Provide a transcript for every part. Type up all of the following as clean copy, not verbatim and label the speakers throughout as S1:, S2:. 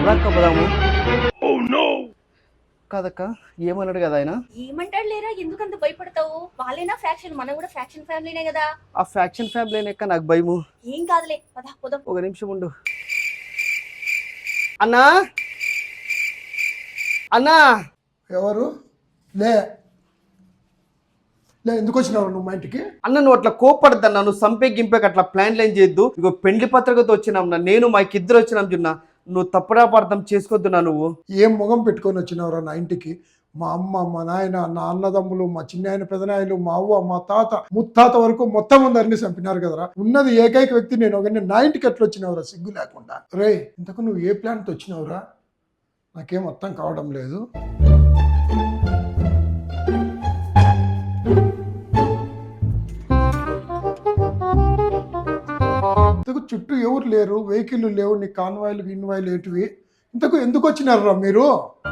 S1: పదక్క పదాము. కాదక్క ఏమన్నాడు కదా ఆయన?
S2: ఏమంటాడు లేరా, ఎందుకంత భయపడతావు? వాళ్ళేనా ఫ్యాక్షన్, మనం కూడా ఫ్యాక్షన్ ఫ్యామిలీనే కదా.
S1: ఆ ఫ్యాక్షన్ ఫ్యామిలీ ఎక్క నాకు భయము.
S2: ఏం కాదులే, పదా పోదాం.
S1: ఒక నిమిషం ఉండు. అన్నా అన్నా.
S3: ఎవరు? లే లే ఎందుకు వచ్చినావు నువ్వు మా ఇంటికి?
S1: అన్న నువ్వు అట్లా కోపడద్దన్నా, నువ్వు సంపే గింపేకి అట్లా ప్లాన్ లైన్ చేయొద్దు. ఇగో పెండ్లి పత్రికతో వచ్చినాం నా, నేను మా ఇద్దరు వచ్చినాం చున్నా. నువ్వు తప్పుడాపార్థం చేసుకోవద్దున్నా. నువ్వు
S3: ఏం మొగం పెట్టుకొని వచ్చినావురా నా ఇంటికి? మా అమ్మ, మా నాయన, నా అన్నదమ్ములు, మా చిన్నాయన, పెదనాయలు, మా అవ్వ, మా తాత, ముత్తాత వరకు మొత్తం అందరినీ చంపినారు కదరా. ఉన్నది ఏకైక వ్యక్తి నేను. ఒకరిని నా ఇంటికి ఎట్లా వచ్చినావురా సిగ్గు లేకుండా? రే ఇంతకు నువ్వు ఏ ప్లాన్తో వచ్చినావురా? నాకేం అర్థం కావడం లేదు. ఇంతకు చుట్టూ ఎవరు లేరు, వెహికల్ లేవు, నీ కాన్వాయిలు గిన్వాయిలు ఏంటివి? ఇంతకు ఎందుకు వచ్చినారా మీరు?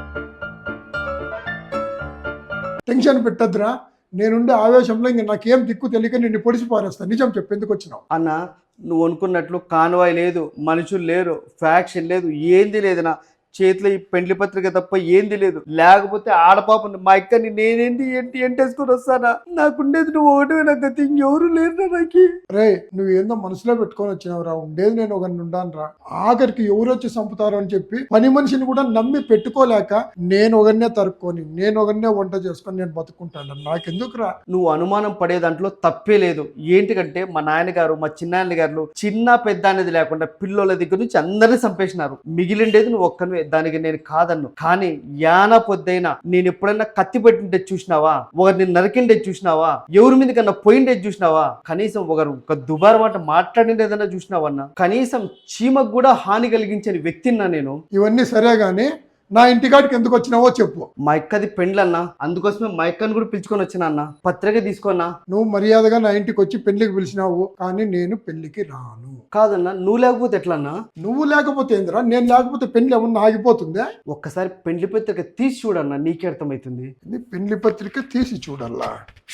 S3: టెన్షన్ పెట్టద్దురా. నేనుండే ఆవేశంలో ఇంక నాకేం దిక్కు తెలియక నిన్ను పొడిచి పారేస్తా. నిజం చెప్పు, ఎందుకు వచ్చినావు?
S1: అన్న నువ్వు అనుకున్నట్లు కాన్వాయ్ లేదు, మనుషులు లేరు, ఫ్యాక్షన్ లేదు, ఏంది లేదనా. చేతిలో ఈ పెండ్లి పత్రిక తప్ప ఏంది లేదు. లేకపోతే ఆడపాప మా ఇక్కడిని నేనేంటి ఏంటి ఎంటేసుకొని వస్తానా? నాకుండేది నువ్వు ఒకటే, నాకు గతి ఎవరు లేరు నాకు.
S3: రే నువ్వు ఏందో మనసులో పెట్టుకొని వచ్చినావురా. ఉండేది నేను ఒకరిని ఉండాను రా. ఆఖరికి ఎవరు వచ్చి చంపుతారు అని చెప్పి పని మనిషిని కూడా నమ్మి పెట్టుకోలేక నేను ఒకరినే తరుక్కొని, నేను ఒకరినే వంట చేసుకొని నేను బతుకుంటాను. నాకెందుకురా?
S1: నువ్వు అనుమానం పడే దాంట్లో తప్పే లేదు. ఏంటికంటే మా నాయనగారు, మా చిన్నాయన గారు చిన్న పెద్ద అనేది లేకుండా పిల్లోల దగ్గర నుంచి అందరినీ చంపేసినారు. మిగిలిండేది నువ్వు ఒక్కనే. దానికి నేను కాదన్ను. కానీ యానా పొద్దైనా నేను ఎప్పుడైనా కత్తి పెట్టిండే చూసినావా? ఒకరిని నరికిండే చూసినావా? ఎవరి మీద కన్నా పోయిండే చూసినావా? కనీసం ఒక దుబారు మాట మాట్లాడిండేదన్నా చూసినావన్నా? కనీసం చీమకు కూడా హాని కలిగించని వ్యక్తిన్నా నేను.
S3: ఇవన్నీ సరే గానీ నా ఇంటికాడికి ఎందుకు వచ్చినావో చెప్పు.
S1: మా ఇక్కది పెండ్లన్నా, అందుకోసమే మా ఇక్కని కూడా పిలుచుకొని వచ్చినా అన్న. పత్రిక తీసుకోన్నా.
S3: నువ్వు మర్యాదగా నా ఇంటికి వచ్చి పెళ్లికి పిలిచినావు, కానీ నేను పెళ్లికి రాను.
S1: కాదన్నా, నువ్వు లేకపోతే ఎట్లన్నా?
S3: నువ్వు లేకపోతే ఏందిరా? నేను లేకపోతే పెళ్లి ఏమన్నా ఆగిపోతుందా?
S1: ఒక్కసారి పెండ్లి పత్రిక తీసి చూడన్నా, నీకే అర్థమవుతుంది.
S3: పెళ్లి పత్రిక తీసి చూడల్లా.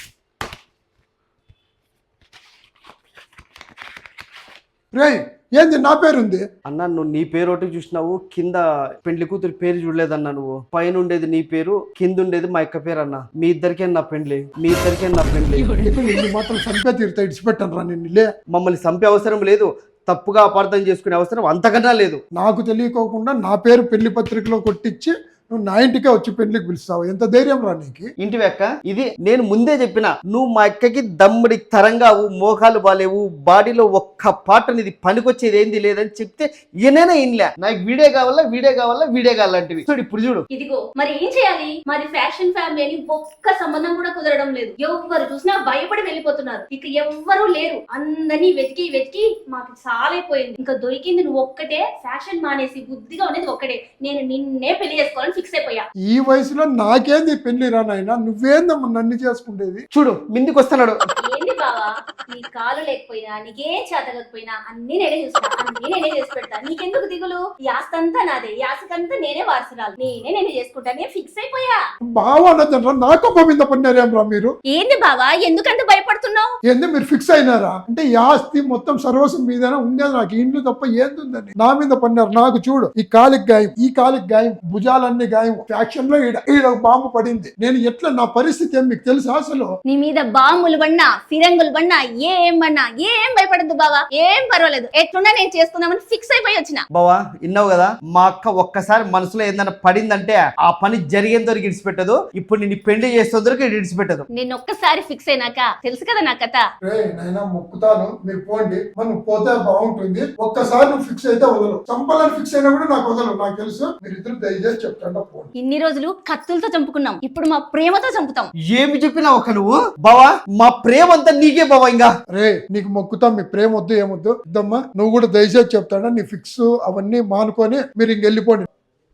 S3: రేయ్ ఏంది నా పేరుంది?
S1: అన్నా నువ్వు నీ పేరు ఒకటి చూసినావు, కింద పెండ్లి కూతురు పేరు చూడలేదన్నా. నువ్వు పైన ఉండేది నీ పేరు, కింద ఉండేది మా యొక్క పేరు అన్న. మీ ఇద్దరికే నా పెండ్లి, మీ ఇద్దరికే నా పెండ్లి.
S3: నిన్ను మాత్రం చంపే తీరుతా, ఇడిచిపెట్టాను రా నిన్ను. లే,
S1: మమ్మల్ని చంపే అవసరం లేదు, తప్పుగా అపార్థం చేసుకునే అవసరం అంతకన్నా లేదు.
S3: నాకు తెలియకోకుండా నా పేరు పెళ్లి పత్రికలో కొట్టించి నువ్వు నా ఇంటికే వచ్చి పెళ్లికి పిలుస్తావు. ఎంత ధైర్యం రా నీకు?
S1: ఇంటివి అక్క, ఇది నేను ముందే చెప్పిన. నువ్వు మా అక్కకి దమ్ముడి తరంగావు, మోకాలు బాలేవు, బాడీలో ఒక్క పాట నీది పనికొచ్చేది ఏంది లేదని చెప్తే ఈయనైనా ఇన్లే. నాకు వీడియో కావాలా, వీడియో కావాలా, వీడియో కావాలంటివి. చూడు ఇప్పుడు చూడు.
S2: ఇదిగో మరి ఏం చేయాలి? మరి ఫ్యాషన్ ఫ్యామిలీ అని ఒక్క సంబంధం కూడా కుదరడం లేదు. ఎవరు చూసినా భయపడి వెళ్ళిపోతున్నారు. ఇక ఎవ్వరూ లేరు. అందరినీ వెతికి వెతికి మాకు సాలైపోయింది. ఇంకా దొరికింది నువ్వు ఒక్కటే. ఫ్యాషన్ మానేసి బుద్ధిగా ఉండేది ఒక్కటే. నేను నిన్నే పెళ్లి చేసుకోవాలని ఫిక్స్ అయిపోయా.
S3: ఈ వయసులో నాకేంది పెళ్లి రా నాయనా? నువ్వేందమ్మా నన్ను చేసుకుంటేది?
S1: చూడు మిందికి వస్తున్నాడు.
S2: ఏంది బావా, నీ కాలు లేకపోయినా, నీకేం చేతకపోయినా అన్ని నేనే చూస్తా, అన్ని నేనే చేసి పెడతా. నీకెందుకు దిగులు? ఈ ఆస్తి అంతా నాదే, ఈ ఆస్తికంతా నేనే వారసురాలు. నేనే చేసుకుంటా. నేను ఫిక్స్ అయిపోయా.
S3: బావా అన్నదండ్రా, నా కొప్ప మీద పడినారేం రా మీరు?
S2: ఏంది బావా, ఎందుకంత భయపడుతున్నావు?
S3: ఏంది మీరు ఫిక్స్ అయినారా? అంటే ఈ ఆస్తి మొత్తం సర్వస్వం మీదనే ఉండేది. నాకు ఇండ్లు తప్ప ఏందుందని నా మీద పడినారు. నాకు చూడు, ఈ కాలికి గాయం, ఈ కాలికి గాయం, భుజాలన్నీ గాయం. ఫ్యాక్షన్ లో ఈడ బాంబు పడింది. నేను ఎట్లా, నా పరిస్థితి ఏం మీకు తెలుసా అసలు?
S2: నీ మీద బాంబులు పడినా, ఫిరంగులు పడినా, ఏం పడినా ఏం భయపడద్దు బావా. ఏం పర్వాలేదు. ఎట్లున్నా నేను చేసుకుందామని ఫిక్స్ అయిపోయి వచ్చిన.
S1: బావా విన్నావు కదా, మా అక్క ఒక్కసారి మనసులో ఏదైనా పడిందంటే ఆ పని జరిగేంత వరకు ఇడిచిపెట్టదు. ఇప్పుడు నేను పెళ్లి చేసేందుకు ఇడిచిపెట్టదు.
S2: నేను ఒక్కసారి ఫిక్స్ అయినాక తెలుసు కదా నా కథ.
S3: నైనా మొక్కుతాను, మీరు పోండి. మనం పోతే బాగుంటుంది. ఒక్కసారి నువ్వు ఫిక్స్ అయితే వదలు. చంపాలని ఫిక్స్ అయినా కూడా నాకు వదలు. నాకు తెలుసు. మీరు ఇద్దరు దయచేసి చెప్తాను.
S2: ఇన్ని రోజులు కత్తులతో చంపుకున్నాం, ఇప్పుడు మా ప్రేమతో చంపుతాం.
S1: ఏమి చెప్పినా ఒక నువ్వు బావా, మా ప్రేమ అంతా నీకే బావా. ఇంకా
S3: రే నీకు మొక్కుతాం, మీ ప్రేమ వద్దు ఏమొద్దు. ఇద్దమ్మా నువ్వు కూడా దయచేసి చెప్తాడా, నీ ఫిక్స్ అవన్నీ మానుకొని మీరు ఇంకెళ్ళిపోండి.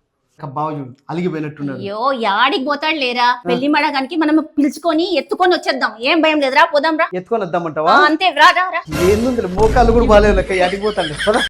S1: బావ చూడు అలిగిపోయినట్టున్నాడు.
S2: అయ్యో యాడికి పోతాడు లేరా? పెళ్లి మడగానికి మనం పిలుచుకొని ఎత్తుకొని వచ్చేద్దాం. ఏం భయం లేదురా, పోదాం రా.
S1: ఎత్తుకొని వద్దామంటావా?
S2: అంతే రా రా రా.
S1: ఏంది మోకాళ్ళు కూడా బాగాలేదు లెక్క, అడిగిపోతాడు.